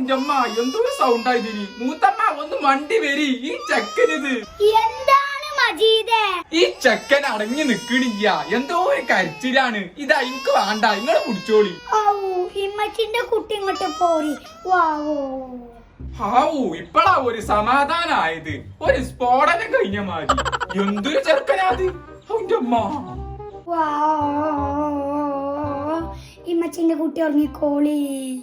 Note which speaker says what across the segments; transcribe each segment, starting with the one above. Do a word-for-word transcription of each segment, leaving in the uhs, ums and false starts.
Speaker 1: അമ്മ എന്തൊരു സൗണ്ട് ആയതിനി. മൂത്തമ്മ ഒന്ന് മണ്ടി വരി. ഈ ചെക്കനിത്
Speaker 2: എന്താണ് മജീദേ?
Speaker 1: ഈ ചെക്കൻ അടങ്ങി നിക്കണില്ല. എന്തോ ഒരു കരച്ചിലാണ്. ഇതാ എനിക്ക് വേണ്ട, ഇങ്ങള് കുടിച്ചോളി.
Speaker 2: ഇമ്മച്ചിന്റെ കുട്ടി ഇങ്ങോട്ട് പോരി. വാവോ
Speaker 1: ഹാവൂ, ഇപ്പളാ ഒരു സമാധാനായത്. ഒരു സ്ഫോടനം കഴിഞ്ഞ മാതിരി. എന്തൊരു ചെറുക്കനാത്. അവന്റെ അമ്മ
Speaker 2: ഇമ്മച്ചിന്റെ കുട്ടി ഉറങ്ങിക്കോളി.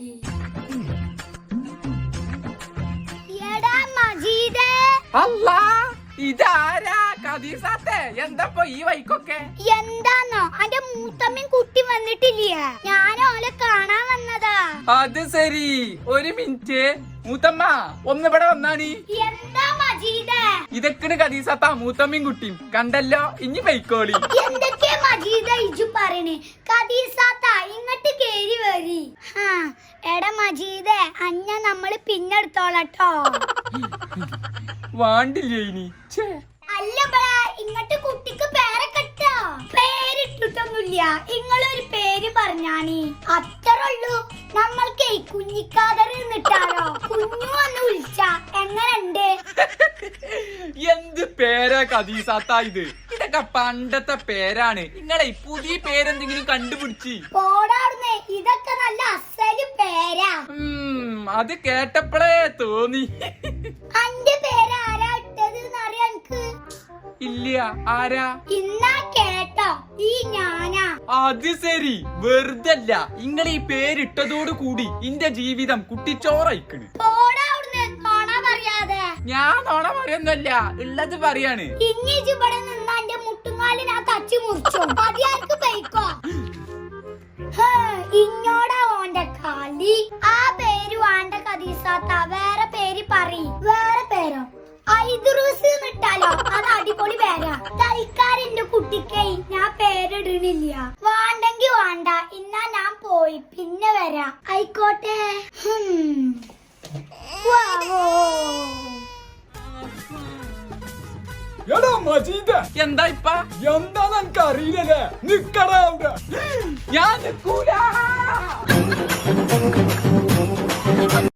Speaker 2: എടാ മജീദേ.
Speaker 1: അല്ലാ, ഇതാരാ കദീസാത്തെ? എന്തപ്പോ ഈ വൈക്കൊക്കെ?
Speaker 2: എന്താന്നോ അന്റെ മൂത്തമ്മയും കുട്ടി വന്നിട്ടില്ല. ഞാൻ ഓലെ കാണാൻ വന്നതാ.
Speaker 1: അത് ശരി. ഒരു മിനിറ്റ് മൂത്തമ്മ, ഒന്ന് ഇവിടെ വന്നാണി.
Speaker 2: എന്താ മജീദേ?
Speaker 1: ഇതൊക്കെയാണ് കദീസാത്ത മൂത്തമ്മയും കുട്ടിയും. കണ്ടല്ലോ, ഇനി വൈക്കോളി.
Speaker 2: എന്തൊക്കെ മജീദേ ഇജു പറയണേ? കദീസാത്ത ഇങ്ങോട്ട് കേറി വരി. എടാ മജീദേ, അഞ്ഞ നമ്മള് പിന്നെടുത്തോളട്ടോ.
Speaker 1: വാണ്ടില്ലേ ഇനി?
Speaker 2: അല്ല ബേ, ഇങ്ങോട്ട് കുട്ടിക്ക് പേരൊക്കെട്ടോ. പേരിട്ടിട്ടൊന്നുമില്ല. ഇങ്ങളൊരു പേര് പറഞ്ഞാണി അത്രയുള്ളൂ. നമ്മൾക്ക് കുഞ്ഞിക്കാതറി നിട്ടാലോ. കുഞ്ഞു വന്ന് വിളിച്ച എങ്ങനുണ്ട്?
Speaker 1: എന്ത് പേരാ കദീസാത്ത ഇത്? ഇതൊക്കെ പണ്ടത്തെ പേരാണ്. നിങ്ങളെ പുതിയ പേരെന്തെങ്കിലും കണ്ടുപിടിച്ച്
Speaker 2: പോടാർന്നേ. ഇതൊക്കെ നല്ല അസല് പേരാ.
Speaker 1: അത് കേട്ടപ്പോഴേ തോന്നി.
Speaker 2: അന്റെ പേര് ആരാ ഇട്ടത് എന്നറിയാ എനിക്ക്?
Speaker 1: ഇല്ല, ആരാ?
Speaker 2: ഇന്നാ കേട്ടോ, ഈ ഞാനാ.
Speaker 1: അത് ശരി. വെറുതല്ല, ഇങ്ങളെ ഈ പേരിട്ടതോട് കൂടി ഇന്റെ ജീവിതം കുട്ടിച്ചോറയിക്കണ്. ഞാൻ നോണ പറയുന്നല്ല, ഉള്ളത് പറയാണ്.
Speaker 2: ഇനി ഇവിടെ നിന്നാ എന്റെ മുട്ടുങ്ങാലിന് ആ തച്ചു മുറിച്ചു. മതിയാർക്ക് പോയിക്കോ. ഇങ്ങോടാ ഓന്റെ കളി. ആ പേര് വേണ്ട കദീസാത്ത. വേറെ പേര് പറയ്. വേറെ പേരോ? ഐദ്രൂസ് നിട്ടാലോ? അത് അടിപൊളി പേരാ. തൽക്കാരെന്റെ കുട്ടിക്കൈ ഞാൻ പേരിടണില്ല. വേണ്ടെങ്കി വേണ്ട. ഇന്നാ ഞാൻ പോയി പിന്നെ വരാ. ആയിക്കോട്ടെ.
Speaker 3: എടാ മജീദ,
Speaker 1: എന്താ ഇപ്പ?
Speaker 3: എന്താന്ന് എനിക്ക് അറിയില്ലല്ലേ. നിക്കടാ അവിടെ.
Speaker 1: ഞാൻ നിക്കൂല.